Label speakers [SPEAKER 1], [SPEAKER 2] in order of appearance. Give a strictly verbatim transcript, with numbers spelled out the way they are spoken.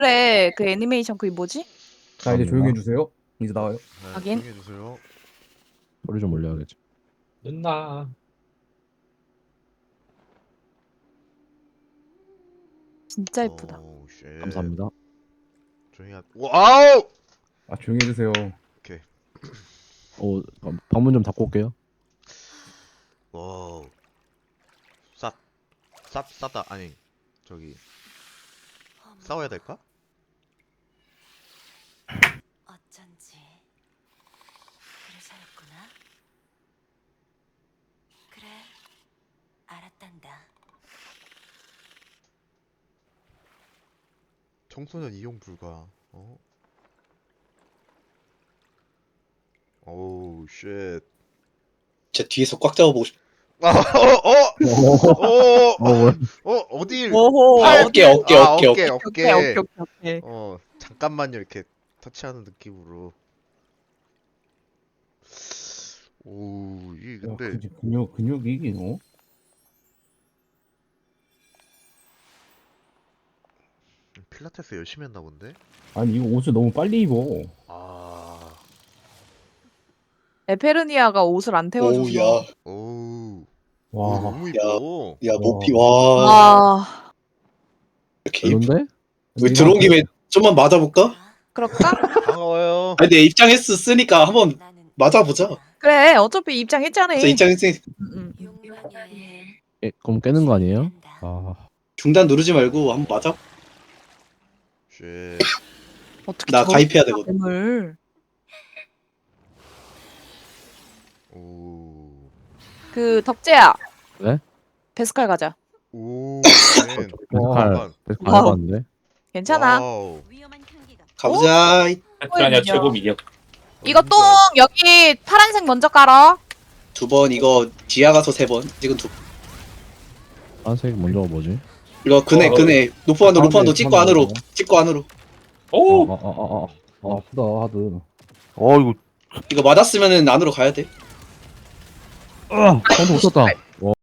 [SPEAKER 1] 그래 그 애니메이션 그게 뭐지?
[SPEAKER 2] 자 이제 조용히 해주세요. 이제 나와요.
[SPEAKER 3] 네,
[SPEAKER 1] 하긴.
[SPEAKER 3] 조용히 해주세요.
[SPEAKER 4] 소리 좀 올려야겠지.
[SPEAKER 5] 늦나.
[SPEAKER 1] 진짜 예쁘다.
[SPEAKER 3] 오우, 쉣.
[SPEAKER 4] 감사합니다.
[SPEAKER 3] 조용히 하. 와우!
[SPEAKER 2] 아 조용히 해주세요.
[SPEAKER 4] 어, 어, 방문 좀 닫고 올게요.
[SPEAKER 3] 와우. 쌉, 쌉, 싸다. 아니, 저기 싸워야 될까?
[SPEAKER 6] 어쩐지 그래서였구나. 그래, 알았단다.
[SPEAKER 3] 청소년 이용 불가. 어? 오우, 쉣.
[SPEAKER 7] 제 뒤에서 꽉 잡아보고 싶.
[SPEAKER 3] 아, 어, 어, 어,
[SPEAKER 4] 어, 왜?
[SPEAKER 3] 어, 어딜?
[SPEAKER 1] 오호.
[SPEAKER 7] 아, 어깨, 어깨,
[SPEAKER 3] 아,
[SPEAKER 7] 어깨,
[SPEAKER 3] 어깨,
[SPEAKER 1] 오케이
[SPEAKER 3] 어깨.
[SPEAKER 1] 오케이 오케이 오케이.
[SPEAKER 3] 어, 잠깐만요, 이렇게 터치하는 느낌으로. 오, 이게
[SPEAKER 2] 야,
[SPEAKER 3] 근데
[SPEAKER 2] 그, 근육 근육이 이게 어?
[SPEAKER 3] 필라테스 열심히 했나 본데?
[SPEAKER 2] 아니 이거 옷을 너무 빨리 입어.
[SPEAKER 3] 아,
[SPEAKER 1] 에페르니아가 옷을 안 태워줘서.
[SPEAKER 7] 오우, 야,
[SPEAKER 3] 오우,
[SPEAKER 2] 와.
[SPEAKER 3] 오, 너무 이뻐.
[SPEAKER 7] 야,
[SPEAKER 2] 와.
[SPEAKER 7] 모피, 와.
[SPEAKER 1] 아
[SPEAKER 7] 이렇게 입-
[SPEAKER 4] 별론데?
[SPEAKER 7] 우리 들어온 김에 좀만 맞아볼까?
[SPEAKER 1] 그럴까?
[SPEAKER 3] 반가워요.
[SPEAKER 7] 아니, 내 입장했으니까 한번
[SPEAKER 6] 나는
[SPEAKER 7] 맞아보자.
[SPEAKER 1] 그래 어차피 입장했잖아.
[SPEAKER 7] 저 입장했으니
[SPEAKER 1] 음, 음.
[SPEAKER 6] 용감해.
[SPEAKER 4] 예, 그럼 깨는 거 아니에요?
[SPEAKER 6] 한다.
[SPEAKER 4] 아,
[SPEAKER 7] 중단 누르지 말고 한번 맞아.
[SPEAKER 3] 쉣.
[SPEAKER 1] 어떻게
[SPEAKER 7] 나
[SPEAKER 1] 저렇게
[SPEAKER 7] 가입해야 되거든.
[SPEAKER 1] 뱀을.
[SPEAKER 3] 오,
[SPEAKER 1] 그 덕재야.
[SPEAKER 4] 네?
[SPEAKER 1] 베스칼 가자.
[SPEAKER 3] 오, 맨.
[SPEAKER 4] 베스칼,
[SPEAKER 3] 잠깐.
[SPEAKER 4] 베스칼
[SPEAKER 1] 와우.
[SPEAKER 4] 해봤는데?
[SPEAKER 1] 괜찮아.
[SPEAKER 3] 와우.
[SPEAKER 6] 위험한 향기가.
[SPEAKER 7] 가보자.
[SPEAKER 5] 베트라니아
[SPEAKER 1] 미녀.
[SPEAKER 5] 최고 미녀.
[SPEAKER 1] 이거 똥 여기 파란색 먼저 깔아.
[SPEAKER 7] 두 번 이거 지하 가서 세 번. 지금 두.
[SPEAKER 4] 파란색 먼저가 뭐지?
[SPEAKER 7] 이거 그네
[SPEAKER 5] 어,
[SPEAKER 7] 그네 노포한도
[SPEAKER 2] 아,
[SPEAKER 7] 노포한도
[SPEAKER 2] 네,
[SPEAKER 7] 찍고
[SPEAKER 2] 한번
[SPEAKER 7] 안으로
[SPEAKER 2] 먹어요.
[SPEAKER 7] 찍고 안으로.
[SPEAKER 5] 오,
[SPEAKER 4] 아, 아, 아, 아,
[SPEAKER 2] 아 아프다 하드.
[SPEAKER 4] 어, 이거,
[SPEAKER 7] 이거 맞았으면은 안으로 가야 돼.
[SPEAKER 4] 아, 방금 못 썼다.